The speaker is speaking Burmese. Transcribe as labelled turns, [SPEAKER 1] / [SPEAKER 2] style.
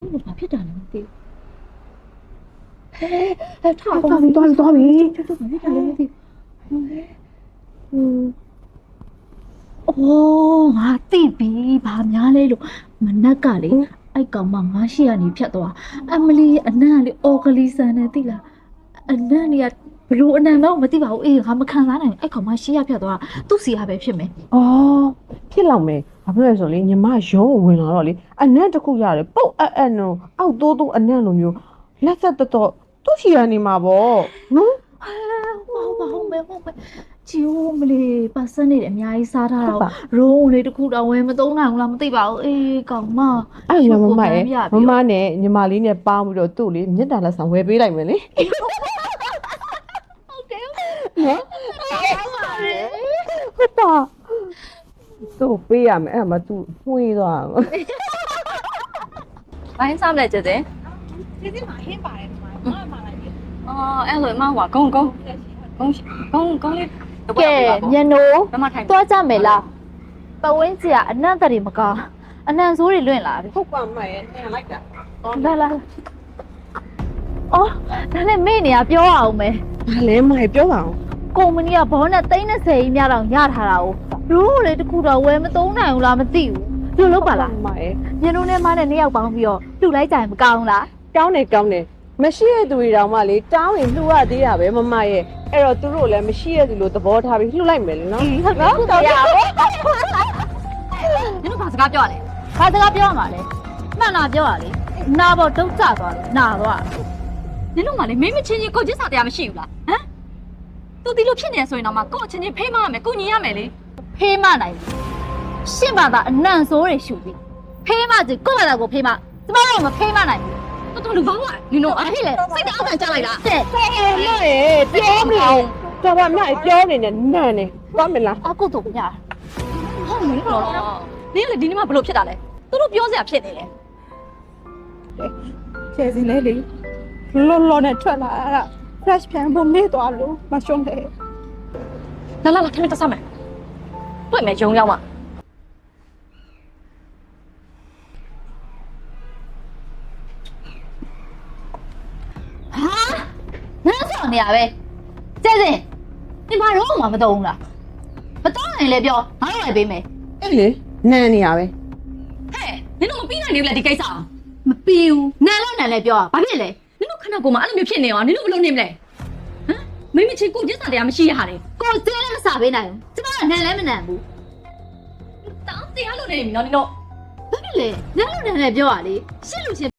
[SPEAKER 1] ဘာဖြစ်တာလဲမသိဟဲ့ထား
[SPEAKER 2] သွားပြီကျုပ်ဘာဖြစ်တာလဲမသိ
[SPEAKER 1] အော်ငါသိပြီဘာများလဲလို့မနက်ကလေအဲ့ကောင်မငါရှိရနေဖြတ်သွားအမလီအနံ့လေအော်ဂလီဆန်နဲ့သိလားအနံ့เนี่ยဘလို့အနံ့တော့မသိပါဘူးအေးငါမခံစားနိုင်အဲ့ကောင်မရှိရဖြတ်သွားသူ့စီရပဲဖြစ်မယ်
[SPEAKER 2] အော်ဖြစ်လောက်မယ်ဘာဖြစ်လဲဆိုလေညီမရုံးကိုဝင်လာတော့လေအနံ့တစ်ခုရတယ်ပုတ်အဲ့နော်အောက်တိုးအနံ့လိုမျိုးလက်သက်တော့သူ့ရှိရနေမှာပေါ့နော်
[SPEAKER 1] ဟုတ်မယ်ဂျီယိုမလေးပါစနေတယ်အများကြီးစားထားတာရိုးလေးတစ်ခုတော့ဝယ်မသုံးနိုင်ဘူးလားမသိပါဘူးအေးကောင်မ
[SPEAKER 2] အဲ့ရမမရဲ့မမနဲ့ညီမလေးနဲ့ပေါင်းပြီးတော့သူ့လေမြတ်တာလက်ဆောင်ဝယ်ပေးလိုက်မယ်လေ
[SPEAKER 1] ဟုတ်တယ်နော်
[SPEAKER 2] ဟုတ်ပါသူ့ပေးရမယ်အဲ့မှာသူနှွေးသွား
[SPEAKER 3] ဘိုင်းစားမလဲကျတဲ့
[SPEAKER 1] ဒီစီမှာဟင်းပါတယ်ဒီမှာမလိုက်ပြီ
[SPEAKER 3] အော်အဲ့လိုအမဟွာဂုံလေး
[SPEAKER 1] ကဲညနိုး
[SPEAKER 3] ဘယ်မှာထိုင်
[SPEAKER 1] သွားကြမယ်လားပဝင်းကြီးကအနံ့တရီမကောင်းအနံ့ဆိုးတွေလွင့်လာပြီ
[SPEAKER 2] ဟုတ်ပါမရဲ့ထင်လိုက်တာ
[SPEAKER 1] လာအော်ဒါနဲ့မေ့နေရပြောအောင်မယ်
[SPEAKER 2] ဘာလဲမရဲ့ပြောပါအောင်
[SPEAKER 1] ကုမ္ပဏီကဘောနဲ့30ကြီးများတော့ရထားတာ哦ရိုးလေတစ်ခုတော့ဝယ်မသုံးနိုင်ဘူးလားမသိဘူးလို့လုပ်ပါလား
[SPEAKER 2] မရဲ့
[SPEAKER 1] ညနိုးနဲ့မနဲ့နှစ်ယောက်ပေါင်းပြီးတော့လှူလိုက်ကြရင်မကောင်းလား
[SPEAKER 2] ကောင်းတယ်မရှိတဲ့သူတွေတောင်မှလေတောင်းရင်လှူရသေးတာပဲမမရဲ့အဲ့တော့သူတို့လည်းမရှိတဲ့သူလိုသဘောထားပြီးလှူလိုက်မယ်လေနော်
[SPEAKER 1] ဟုတ်နော်တော်ရပါ
[SPEAKER 3] နင်တို့ဘာစကားပြောရလဲ
[SPEAKER 1] ဘာစကားပြောရမှာလဲမှန်တာပြောရလေနာပေါ်တုတ်ကျသွားတယ်နာသွား
[SPEAKER 3] နင်တို့ကလေမင်းမချင်းချင်းကိုချစ်စာတရားမရှိဘူးလားဟမ်သူဒီလိုဖြစ်နေဆိုရင်တော့မှကို့ချင်းချင်းဖိမရမယ်ကိုညီရမယ်လေ
[SPEAKER 1] ဖေးမနိုင်ဘူးရှင့်ဘာသာအနံ့ဆိုးတွေရှူပြီးဖေးမကြီးကိုယ့်ဘာသာကိုဖေးမကျမတို့မဖေးမနိုင်ဘူး
[SPEAKER 3] တော်တော်လူကောင်းကနင်တို့
[SPEAKER 1] ဘာဖြစ်လဲ
[SPEAKER 3] စိတ်တောင်းခံကြလိုက်လား
[SPEAKER 1] တဲ့
[SPEAKER 2] မရဲ့ပြောမလို့တော်ပါမရဲ့ပြောနေနဲ့နန်းနေသွားမလား
[SPEAKER 1] အကုတ်တို့ညာ
[SPEAKER 3] ဟုတ်မင်းတော့နင်လေဒီနေ့မှဘလို့ဖြစ်တာလဲသူတို့ပြောစရာဖြစ်နေတယ်
[SPEAKER 4] ကျဲစင်းလေးလေလောနဲ့ထွက်လာတာ flash ပြန်ဖို့မေ့သွားလို့မရှုံးတယ်
[SPEAKER 3] လာထမင်းတက်စမယ်တွေ့မယ်ဂျုံရောက်မှာ
[SPEAKER 1] နန်းဆောင်နေရပဲကျဲစင်ဒီမှာတော့မှမတုံးလားမတုံးနိုင်လေပြောငါတို့လည်းပေးမယ်
[SPEAKER 2] အဲ့လေနန်းနေရပဲ
[SPEAKER 3] ဟဲ့နင်တို့မပြီးနိုင်ဘူးလားဒီကိစ္စ
[SPEAKER 1] မပြီးဘူးနန်းလည်းပြောဘာဖြစ်လဲ
[SPEAKER 3] နင်တို့ခဏကိုမှအဲ့လိုမျိုးဖြစ်နေအောင်နင်တို့ဘလို့နေမလဲဟမ်မင်းမချင်းကိုချစ်စာတရားမရှိရဟာလေ
[SPEAKER 1] ကိုကျဲလည်းမစားပေးနိုင်ဘူးကျမကနန်းလည်းမနန်းဘူး
[SPEAKER 3] တောင်းတရားလို့နေပြီနော်နင်တို့
[SPEAKER 1] ဘာဖြစ်လဲနန်းလည်းပြောရလေရှစ်လူချင်း